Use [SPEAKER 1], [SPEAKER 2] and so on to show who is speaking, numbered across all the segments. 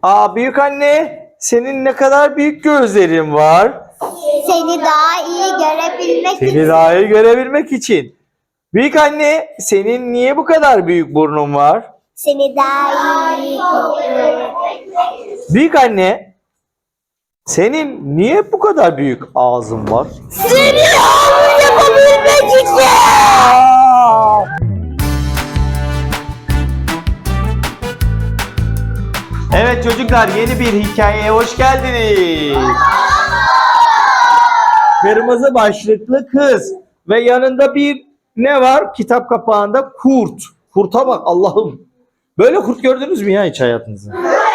[SPEAKER 1] Büyük anne, senin ne kadar büyük gözlerin var.
[SPEAKER 2] Seni daha iyi görebilmek
[SPEAKER 1] Seni
[SPEAKER 2] için.
[SPEAKER 1] daha iyi görebilmek için. Büyük anne, senin niye bu kadar büyük burnun var?
[SPEAKER 2] Seni daha iyi
[SPEAKER 1] Büyük anne, senin niye bu kadar büyük ağzın var?
[SPEAKER 2] Seni yavru yapabilmek için.
[SPEAKER 1] Evet çocuklar, yeni bir hikayeye hoş geldiniz. Kırmızı başlıklı kız ve yanında bir ne var? Kitap kapağında kurt. Kurta bak Allah'ım. Böyle kurt gördünüz mü ya hiç hayatınızda?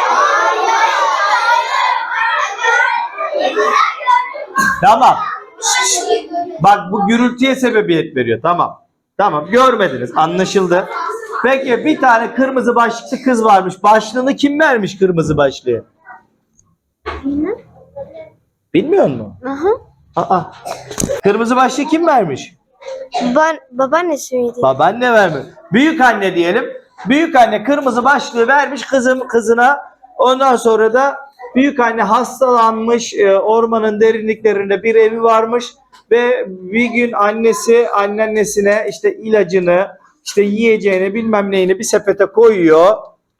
[SPEAKER 1] Tamam. Bak bu gürültüye sebebiyet veriyor. Tamam. Tamam görmediniz. Anlaşıldı. Peki bir tane kırmızı başlıklı kız varmış. Başlığını kim vermiş kırmızı başlığı? Bilmiyor musun? Aa. Kırmızı başlığı kim vermiş?
[SPEAKER 2] Babaannesi miydi?
[SPEAKER 1] Babaanne vermiş. Büyük anne diyelim. Büyük anne kırmızı başlığı vermiş kızına. Ondan sonra da büyük anne hastalanmış. Ormanın derinliklerinde bir evi varmış ve bir gün anneannesine işte ilacını, işte yiyeceğini, bilmem neyini bir sepete koyuyor.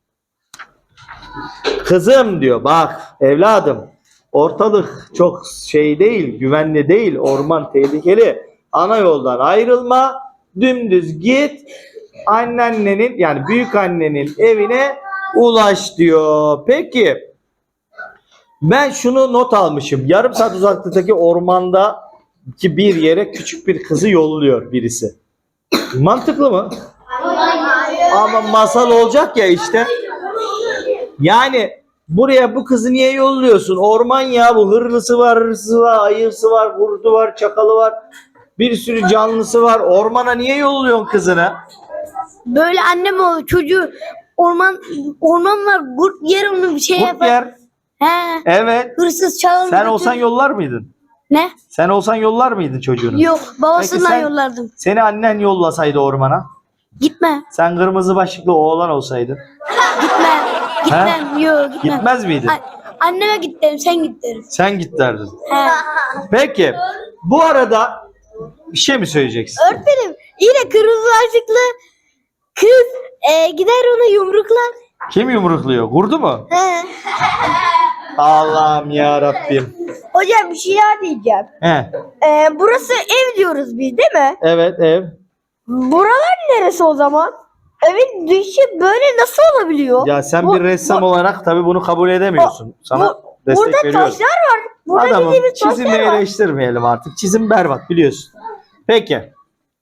[SPEAKER 1] Kızım diyor, bak evladım, ortalık çok şey değil, güvenli değil, orman tehlikeli. Ana yoldan ayrılma, dümdüz git, anneannenin yani büyük annenin evine ulaş diyor. Peki ben şunu not almışım. Yarım saat uzaklıktaki ormandaki bir yere küçük bir kızı yolluyor birisi. Mantıklı mı? Ama masal olacak ya işte. Yani buraya bu kızı niye yolluyorsun? Orman ya, bu hırlısı var, ayısı var, kurdu var, çakalı var. Bir sürü canlısı var. Ormana niye yolluyorsun kızını?
[SPEAKER 2] Böyle annem o çocuğu orman var, kurt yer onu bir şey
[SPEAKER 1] Kurt
[SPEAKER 2] yapar.
[SPEAKER 1] yer.
[SPEAKER 2] He.
[SPEAKER 1] Evet.
[SPEAKER 2] Hırsız çalar.
[SPEAKER 1] Sen olsan yollar mıydın?
[SPEAKER 2] Ne?
[SPEAKER 1] Sen olsan yollar mıydın çocuğunu?
[SPEAKER 2] Yok, babasından
[SPEAKER 1] Peki sen-
[SPEAKER 2] yollardım.
[SPEAKER 1] Seni annen yollasaydı ormana.
[SPEAKER 2] Gitme.
[SPEAKER 1] Sen kırmızı başlıklı oğlan olsaydın.
[SPEAKER 2] Gitmem. Yok, gitmem.
[SPEAKER 1] Gitmez miydin?
[SPEAKER 2] Anneme git derim, sen git derim.
[SPEAKER 1] Sen git derdin.
[SPEAKER 2] He.
[SPEAKER 1] Peki. Bu arada bir şey mi söyleyeceksin?
[SPEAKER 2] Öğretmenim, yine kırmızı başlıklı kız gider onu yumruklar.
[SPEAKER 1] Kim yumrukluyor? Kurdu mu?
[SPEAKER 2] He.
[SPEAKER 1] Allah'ım ya Rabbim.
[SPEAKER 2] Hocam bir şey daha diyeceğim.
[SPEAKER 1] He.
[SPEAKER 2] Burası ev diyoruz biz değil mi?
[SPEAKER 1] Evet ev.
[SPEAKER 2] Buralar neresi o zaman? Evin dışı böyle nasıl olabiliyor?
[SPEAKER 1] Ya sen bir ressam olarak tabii bunu kabul edemiyorsun. Sana destek
[SPEAKER 2] Burada
[SPEAKER 1] veriyorum.
[SPEAKER 2] taşlar var. Burada
[SPEAKER 1] Adamım
[SPEAKER 2] dediğimiz
[SPEAKER 1] çizimi
[SPEAKER 2] taşlar var.
[SPEAKER 1] eleştirmeyelim artık. Çizim berbat biliyorsun. Peki.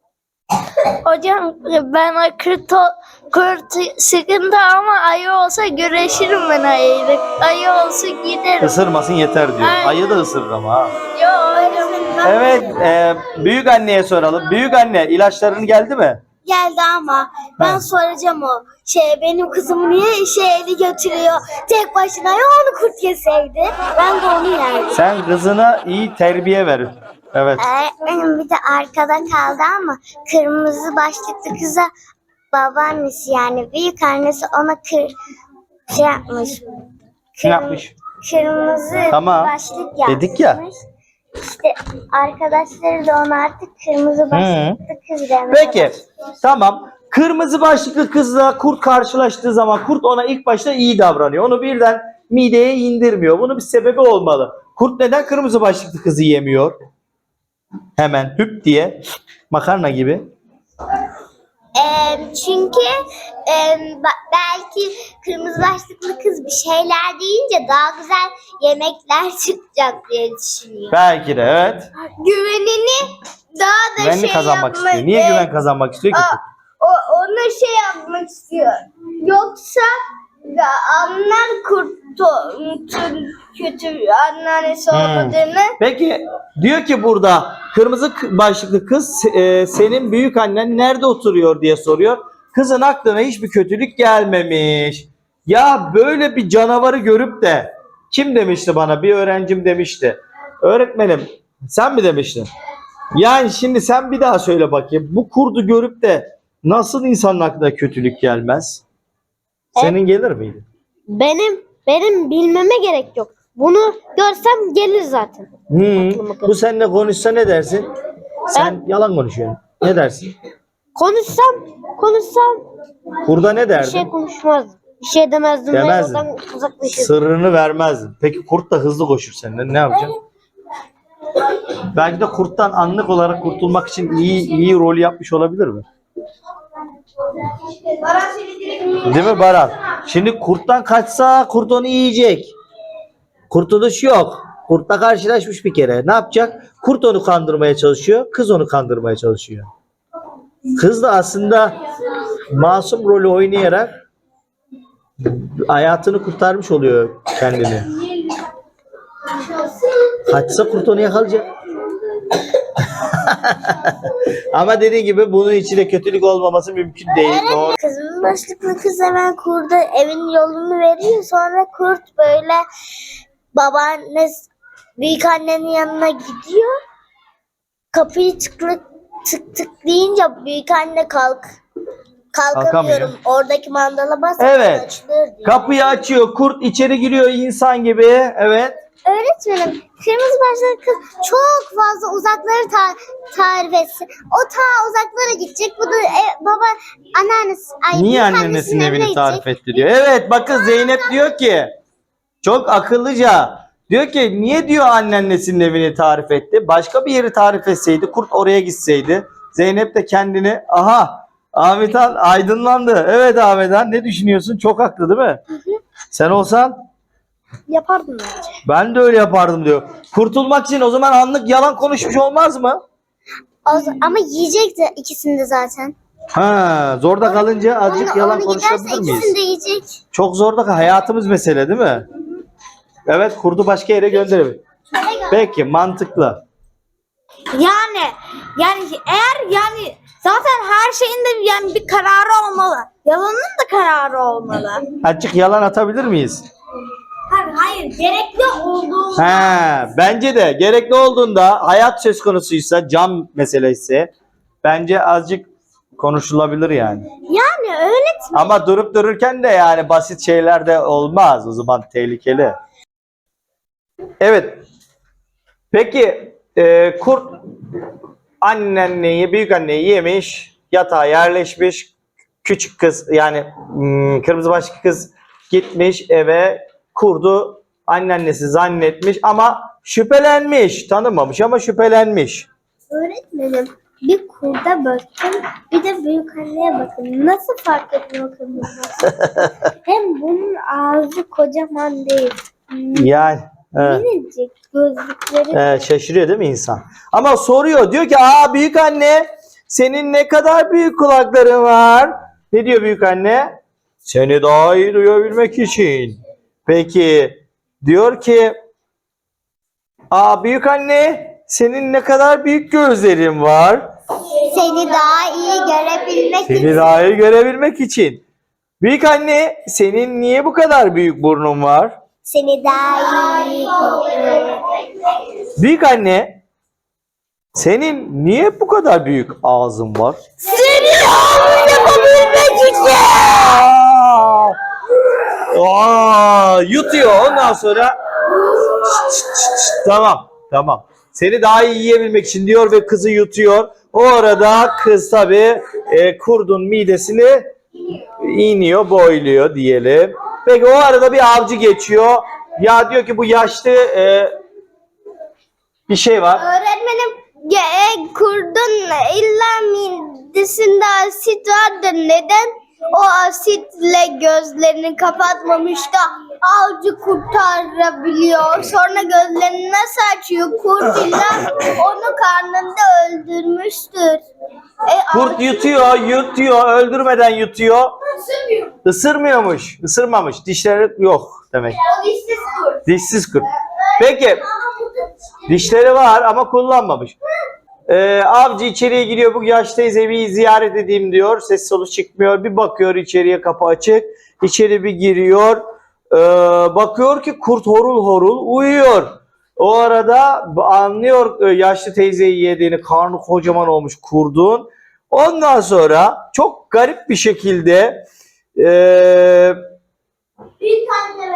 [SPEAKER 3] Hocam ben kurt sıkıntı ama ayı olsa güreşirim ben ayıyla. Ayı olsa giderim.
[SPEAKER 1] Isırmasın yeter diyor.
[SPEAKER 3] Aynen.
[SPEAKER 1] Ayı da ısırır ama ha.
[SPEAKER 3] Yok hocam.
[SPEAKER 1] Evet büyük anneye soralım. Büyük anne ilaçların geldi mi?
[SPEAKER 2] Geldi ama ben soracağım o. Benim kızım niye eli götürüyor? Tek başına ya onu kurt yeseydi. Ben de onu yerdim.
[SPEAKER 1] Sen kızına iyi terbiye ver. Evet.
[SPEAKER 2] Benim bir de arkada kaldı ama kırmızı başlıklı kıza babaannesi yani büyük annesi ona yapmış.
[SPEAKER 1] Ne yapmış?
[SPEAKER 2] Kırmızı
[SPEAKER 1] Tamam.
[SPEAKER 2] başlık yapmış.
[SPEAKER 1] Dedik ya.
[SPEAKER 2] İşte arkadaşları da ona artık kırmızı başlıklı kız demeye
[SPEAKER 1] Peki.
[SPEAKER 2] başladı.
[SPEAKER 1] Tamam. Kırmızı başlıklı kızla kurt karşılaştığı zaman kurt ona ilk başta iyi davranıyor. Onu birden mideye indirmiyor. Bunun bir sebebi olmalı. Kurt neden kırmızı başlıklı kızı yemiyor? Hemen hüp diye makarna gibi.
[SPEAKER 2] Çünkü belki kırmızı başlıklı kız bir şeyler deyince daha güzel yemekler çıkacak diye düşünüyor.
[SPEAKER 1] Belki de evet.
[SPEAKER 2] Güvenini daha da
[SPEAKER 1] Güvenli kazanmak istiyor. Niye güven kazanmak istiyor ki?
[SPEAKER 2] Ona yapmak istiyor. Yoksa anlar kurtun kötü anneannesi olmadığını.
[SPEAKER 1] Peki diyor ki burada kırmızı başlıklı kız senin büyük annen nerede oturuyor diye soruyor. Kızın aklına hiçbir kötülük gelmemiş. Ya böyle bir canavarı görüp de kim demişti bana? Bir öğrencim demişti. Öğretmenim sen mi demiştin? Yani şimdi sen bir daha söyle bakayım. Bu kurdu görüp de nasıl insanın aklına kötülük gelmez? Senin gelir miydi?
[SPEAKER 2] Benim
[SPEAKER 3] Benim bilmeme gerek yok. Bunu görsem gelir zaten.
[SPEAKER 1] Bu seninle konuşsa ne dersin? Sen yalan konuşuyorsun. Ne dersin?
[SPEAKER 3] Konuşsam
[SPEAKER 1] Burada ne
[SPEAKER 3] bir
[SPEAKER 1] derdin?
[SPEAKER 3] şey konuşmazdım. Bir şey demezdim.
[SPEAKER 1] Demezdin.
[SPEAKER 3] Ve oradan uzaklaşırdım.
[SPEAKER 1] Sırrını vermezdin. Peki kurt da hızlı koşur senden. Ne yapacaksın? Belki de kurttan anlık olarak kurtulmak için iyi rol yapmış olabilir mi? Değil mi Baran? Şimdi kurttan kaçsa kurt onu yiyecek. Kurtuluş yok. Kurtla karşılaşmış bir kere. Ne yapacak? Kurt onu kandırmaya çalışıyor. Kız onu kandırmaya çalışıyor. Kız da aslında masum rolü oynayarak hayatını kurtarmış oluyor kendini. Kaçsa kurt onu yakalayacak. Ama dediğin gibi bunun içinde kötülük olmaması mümkün değil. Doğru.
[SPEAKER 2] Kızımın başlıklı kız hemen kurda evin yolunu veriyor. Sonra kurt böyle babaannesi büyük annenin yanına gidiyor. Kapıyı tık tık deyince büyük anne kalkamıyorum.
[SPEAKER 1] Kalkamıyor.
[SPEAKER 2] Oradaki mandala bas.
[SPEAKER 1] Evet.
[SPEAKER 2] Açılır diyor.
[SPEAKER 1] Kapıyı açıyor. Kurt içeri giriyor insan gibi. Evet.
[SPEAKER 2] Öğretmenim, kırmızı başlıklı kız çok fazla uzakları tarif etsin. O ta uzaklara gidecek. Bu da baba anneannesi.
[SPEAKER 1] Niye
[SPEAKER 2] büyük
[SPEAKER 1] anneannesinin evini
[SPEAKER 2] gidecek.
[SPEAKER 1] tarif etti diyor. Evet bakın Zeynep diyor ki çok akıllıca. Diyor ki niye diyor anneannesinin evini tarif etti? Başka bir yeri tarif etseydi kurt oraya gitseydi. Zeynep de kendini Ahmethan aydınlandı. Evet Ahmethan ne düşünüyorsun? Çok haklı değil mi? Sen olsan
[SPEAKER 3] Yapardım bence.
[SPEAKER 1] ben de öyle yapardım diyor. Kurtulmak için o zaman anlık yalan konuşmuş olmaz mı?
[SPEAKER 2] Ama yiyecekti ikisini de zaten.
[SPEAKER 1] Ha, zorda kalınca azıcık yalan konuşabilir
[SPEAKER 2] giderse
[SPEAKER 1] miyiz?
[SPEAKER 2] ikisini de yiyecek.
[SPEAKER 1] Çok zorda hayatımız mesele değil mi? Evet kurdu başka yere gönderebilir. Peki mantıklı.
[SPEAKER 3] Yani eğer zaten her şeyin de bir kararı olmalı. Yalanın da kararı olmalı.
[SPEAKER 1] Azıcık yalan atabilir miyiz?
[SPEAKER 3] Hayır, gerekli olduğu.
[SPEAKER 1] Bence de gerekli olduğunda hayat söz konusuysa can meselesi bence azıcık konuşulabilir yani.
[SPEAKER 3] Yani öyle.
[SPEAKER 1] Ama durup dururken de yani basit şeyler de olmaz. O zaman tehlikeli. Evet. Peki kurt büyük anneyi yemiş, yatağa yerleşmiş. Küçük kız yani kırmızı başlı kız gitmiş eve kurdu anneannesi zannetmiş ama şüphelenmiş. Tanımamış ama şüphelenmiş.
[SPEAKER 2] Öğretmenim, bir kurda bakın, bir de büyük anneye bakın. Nasıl fark ediyor kırmızı? Hem bunun ağzı kocaman değil.
[SPEAKER 1] Yani evet.
[SPEAKER 2] Minicik gözlükleri.
[SPEAKER 1] Şaşırıyor değil mi insan? Ama soruyor. Diyor ki büyük anne senin ne kadar büyük kulakların var? Ne diyor büyük anne? Seni daha iyi duyabilmek için. Peki diyor ki büyük anne senin ne kadar büyük gözlerin var?
[SPEAKER 2] Seni daha iyi görebilmek için.
[SPEAKER 1] Seni daha iyi görebilmek için. Büyük anne senin niye bu kadar büyük burnun var?
[SPEAKER 2] Seni daha iyi
[SPEAKER 1] Büyük anne senin niye bu kadar büyük ağzın var?
[SPEAKER 3] Seni yapabilmek için.
[SPEAKER 1] Yutuyor ondan sonra tamam. Seni daha iyi yiyebilmek için diyor ve kızı yutuyor. O arada kız tabii kurdun midesini iniyor, boyluyor diyelim. Peki o arada bir avcı geçiyor. Ya diyor ki bu yaşlı bir şey var.
[SPEAKER 2] Öğretmenim, kurdun illa midesinde asit vardır. Neden o asitle gözlerini kapatmamış da avcı kurtarabiliyor? Sonra gözlerini nasıl açıyor? Kurt illa onu karnında öldürmüştür.
[SPEAKER 1] Kurt yutuyor, öldürmeden yutuyor. Isırmamış. Dişleri yok demek.
[SPEAKER 2] O dişsiz kurt.
[SPEAKER 1] Dişsiz kurt. Peki, dişleri var ama kullanmamış. Avcı içeriye giriyor. Bu yaşlı teyzeyi bir ziyaret edeyim diyor. Ses solu çıkmıyor. Bir bakıyor içeriye, kapı açık. İçeri bir giriyor. Bakıyor ki kurt horul horul uyuyor. O arada anlıyor yaşlı teyzeyi yediğini. Karnı kocaman olmuş kurdun. Ondan sonra çok garip bir şekilde
[SPEAKER 2] Büyük anne ve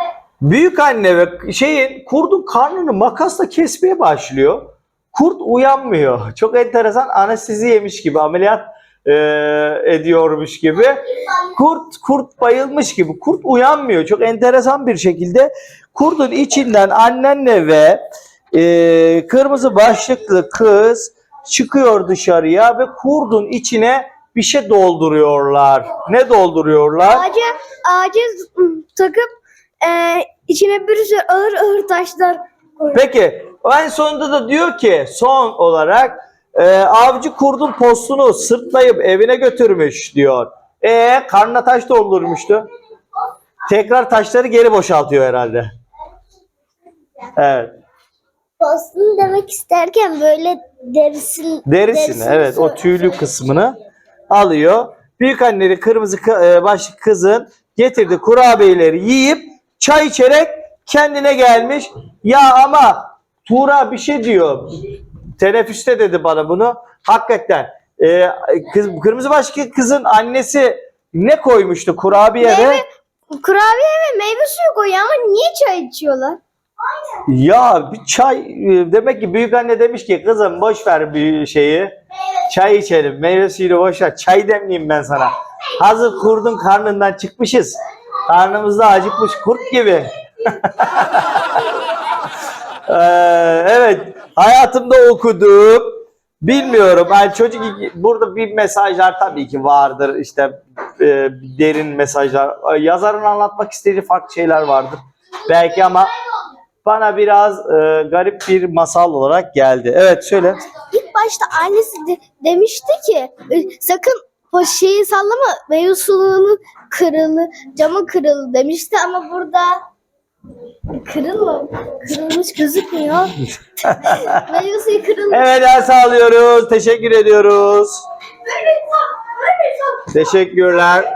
[SPEAKER 1] Büyük anne ve kurdun karnını makasla kesmeye başlıyor. Kurt uyanmıyor. Çok enteresan, anestezi yemiş gibi, ameliyat ediyormuş gibi. Kurt bayılmış gibi. Kurt uyanmıyor. Çok enteresan bir şekilde kurdun içinden annenle ve kırmızı başlıklı kız çıkıyor dışarıya ve kurdun içine bir şey dolduruyorlar. Ne dolduruyorlar?
[SPEAKER 3] Ağaca takıp içine bir sürü ağır taşlar koyuyor.
[SPEAKER 1] Peki en sonunda da diyor ki son olarak avcı kurdun postunu sırtlayıp evine götürmüş diyor. Karnına taş doldurmuştu. Tekrar taşları geri boşaltıyor herhalde. Evet.
[SPEAKER 2] Postunu demek isterken böyle
[SPEAKER 1] Derisini evet, o tüylü kısmını alıyor. Büyükanneli kırmızı başlı kızın getirdiği kurabiyeleri yiyip çay içerek kendine gelmiş. Ya ama Tuğra bir şey diyor. Teneffüste dedi bana bunu. Hakikaten kırmızı başlı kızın annesi ne koymuştu kurabiyede?
[SPEAKER 3] Kurabiye ve meyve suyu koyuyor ama niye çay içiyorlar?
[SPEAKER 1] Ya bir çay, demek ki büyükanne demiş ki kızım boş ver bir şeyi. Çay içelim, meyve suyunu boş ver. Çay demleyeyim ben sana. Hazır kurdun karnından çıkmışız. Karnımızda acıkmış kurt gibi. Evet, hayatımda okuduğum, bilmiyorum. Yani çocuk burada bir mesajlar tabii ki vardır. İşte derin mesajlar. Yazarın anlatmak istediği farklı şeyler vardır. Belki ama bana biraz garip bir masal olarak geldi. Evet, söyle.
[SPEAKER 3] İlk başta annesi demişti ki sakın o şeyi sallama, meyve suyunun camı kırıldı demişti ama burada kırılmış gözükmüyor. Meyve suyu kırılmış.
[SPEAKER 1] Evet, ders alıyoruz. Teşekkür ediyoruz. Teşekkürler.